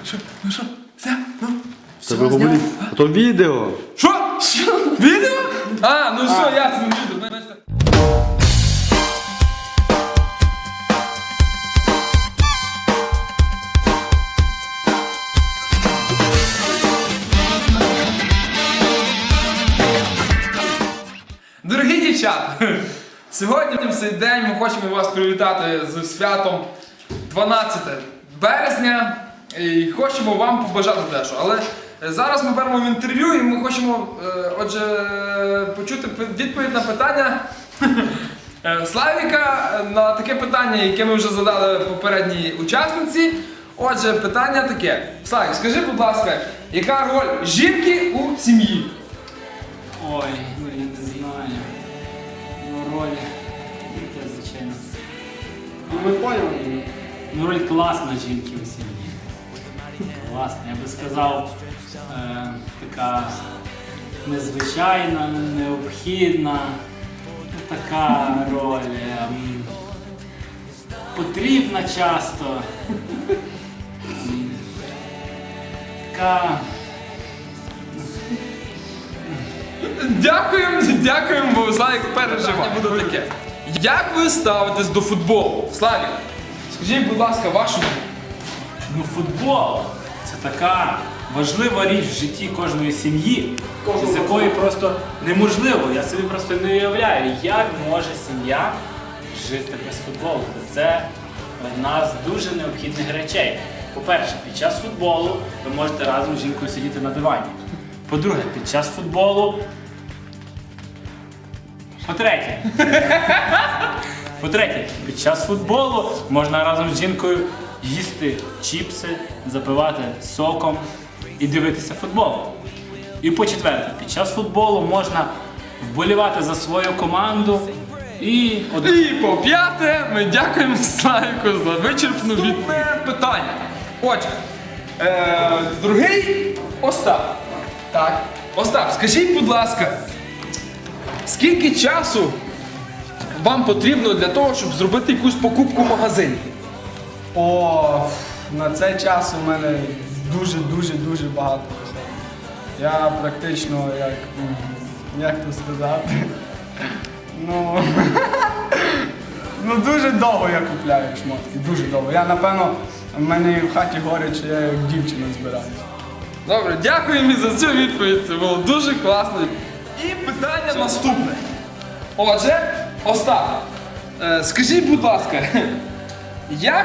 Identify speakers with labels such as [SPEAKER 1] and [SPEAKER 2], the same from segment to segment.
[SPEAKER 1] Ну що? Все? Ну?
[SPEAKER 2] Це ви говорите. А то відео.
[SPEAKER 1] Що? Відео? А, ну все, ясно, відео. Значить, дорогі дівчата, сьогодні в цей день ми хочемо вас привітати з святом 12 березня і хочемо вам побажати дещо. Але зараз ми беремо в інтерв'ю і ми хочемо, отже, почути відповідь на питання Славіка на таке питання, яке ми вже задали попередній учасниці. Отже, питання таке. Славік, скажи, будь ласка, яка роль жінки у сім'ї?
[SPEAKER 3] Ой, ну я не знаю. Ну, роль. Яке, звичайно.
[SPEAKER 2] Ми поняли.
[SPEAKER 3] Ну, роль класна жінки у сім'ї. Класна, я би сказав, така незвичайна, необхідна. Така роль. Потрібна часто. Така.
[SPEAKER 1] Дякуємо, бо Славік переживає. Буде таке. Як ви ставитесь до футболу? Славік, скажіть, будь ласка, вашу.
[SPEAKER 3] Ну, футбол це така важлива річ в житті кожної сім'ї, з якої просто неможливо. Я собі просто не уявляю, як може сім'я жити без футболу. Це одна з дуже необхідних речей. По-перше, під час футболу ви можете разом з жінкою сидіти на дивані. По-друге, під час футболу. По-третє, під час футболу можна разом з жінкою їсти чіпси, запивати соком і дивитися футбол. І по-четверте, під час футболу можна вболівати за свою команду і...
[SPEAKER 1] І по-п'яте, ми дякуємо Славіку за вичерпну відповідь. Питання. Отже, другий Остап. Так. Остап, скажіть, будь ласка, скільки часу вам потрібно для того, щоб зробити якусь покупку в магазині?
[SPEAKER 4] О, на цей час у мене дуже багато виходить. Я практично, як то сказати, ну дуже довго я купляю шмотки, дуже довго. Я, напевно, в мене в хаті горить, що я як дівчина збираюся.
[SPEAKER 1] Добре, дякуємо за цю відповідь, це було дуже класно. І питання наступне. Отже, Остап, скажіть, будь ласка, як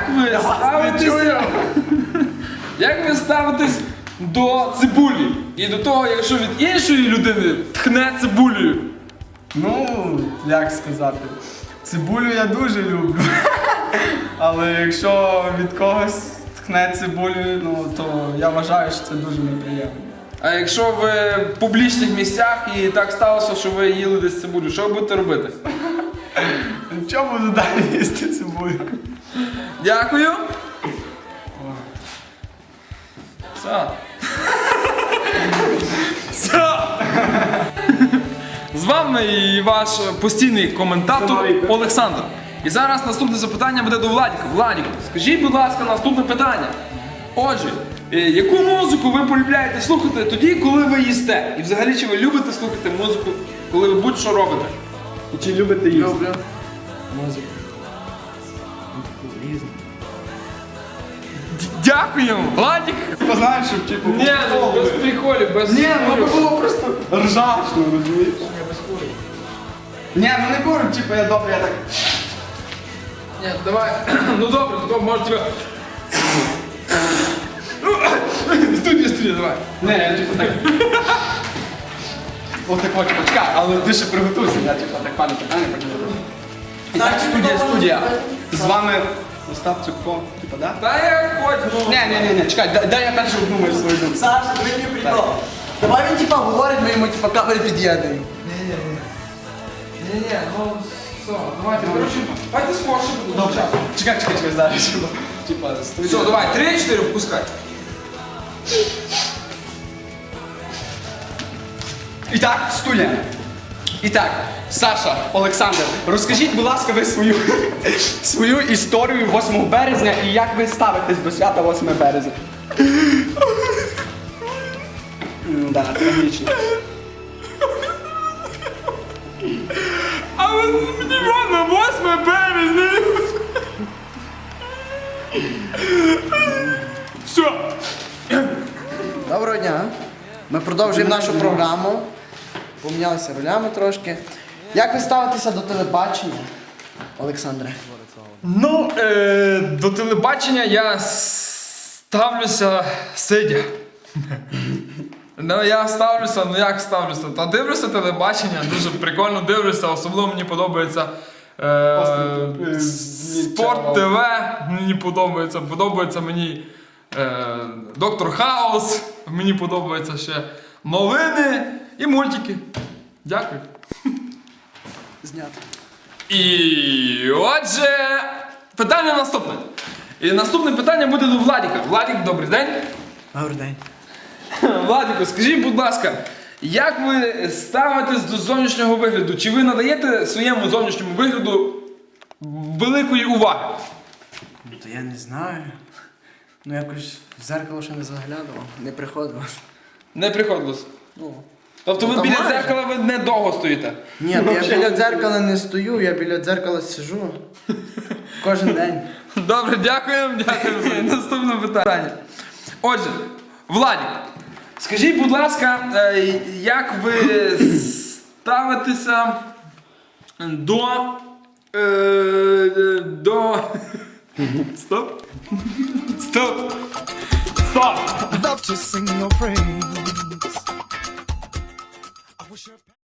[SPEAKER 1] ви ставитесь до цибулі? І до того, якщо від іншої людини тхне цибулею?
[SPEAKER 4] Ну, як сказати, цибулю я дуже люблю. Але якщо від когось тхне цибулю, ну, то я вважаю, що це дуже неприємно.
[SPEAKER 1] А якщо ви в публічних місцях і так сталося, що ви їли десь цибулю, що ви будете робити?
[SPEAKER 4] Нічого буду далі їсти цибулю.
[SPEAKER 1] Дякую. Все. Все. З вами і ваш постійний коментатор Олександр. І зараз наступне запитання буде до Владіка. Владіку, скажіть, будь ласка, наступне питання. Отже, яку музику ви полюбляєте слухати тоді, коли ви їсте? І взагалі, чи ви любите слухати музику, коли ви будь-що робите?
[SPEAKER 4] І чи любите їсти?
[SPEAKER 1] Люблю.
[SPEAKER 4] Музику.
[SPEAKER 1] Дякуємо, Владік.
[SPEAKER 4] Знаєш, щоб типу...
[SPEAKER 1] Ні, без приколів, без...
[SPEAKER 4] Ні, ну було просто ржачно, розумієш? Ні, ну не курю, типу я добре, я так...
[SPEAKER 1] Ні, давай. Ну добре, то може тебе... Студія, давай.
[SPEAKER 4] Не, я типу так... Ось так от, почекай, але ти ще приготуйся, я типу так пане питання почну. І так, студія. З вами Остап Цюкко, типу, да?
[SPEAKER 1] Та я хоч, ну...
[SPEAKER 4] Ні, чекай, дай я перше обдумаю свою думку.
[SPEAKER 5] Саша, диви мені прикол. Давай він типа говорить, ми йому типа камери під'єднуємо.
[SPEAKER 1] Ні, ну все, давайте, коротше, давайте скорше буде часу.
[SPEAKER 4] Чекай, зараз. Типа,
[SPEAKER 1] Все, давай, 3-4 впускай.
[SPEAKER 4] І так, студія. І так, Саша, Олександр, розкажіть, будь ласка, ви свою історію 8 березня і як ви ставитесь до свята 8 березня?
[SPEAKER 5] Да, трагічно.
[SPEAKER 1] Але мені на 8 березня. Все.
[SPEAKER 5] Доброго дня. Ми продовжуємо нашу програму. Помінялися ролями трошки. Як ви ставитеся до телебачення, Олександре?
[SPEAKER 1] Ну, до телебачення я ставлюся сидя. Ну, я ставлюся, ну як ставлюся? Та дивлюся телебачення, дуже прикольно дивлюся, особливо мені подобається Спорт ТВ, мені подобається мені Доктор Хаус, мені подобається ще новини і мультики. Дякую.
[SPEAKER 5] Знято.
[SPEAKER 1] І отже, питання наступне. І наступне питання буде до Владіка. Владік, добрий день.
[SPEAKER 5] Добрий день.
[SPEAKER 1] Владіку, скажіть, будь ласка, як ви ставитесь до зовнішнього вигляду? Чи ви надаєте своєму зовнішньому вигляду великої уваги?
[SPEAKER 5] Ну, то я не знаю. Ну якось в зеркало ще не заглядував, не приходило.
[SPEAKER 1] Не приходилось.
[SPEAKER 5] Ну.
[SPEAKER 1] Тобто ви
[SPEAKER 5] Та
[SPEAKER 1] біля
[SPEAKER 5] майже.
[SPEAKER 1] дзеркала ви не довго стоїте?
[SPEAKER 5] Ні, то я біля дзеркала не стою, я біля дзеркала сижу. Кожен день.
[SPEAKER 1] Добре, дякуємо за наступне питання. Отже, Владік, скажіть, будь ласка, як ви ставитеся до... Стоп. Стоп. Стоп.
[SPEAKER 6] Love to sing your praise. I wish your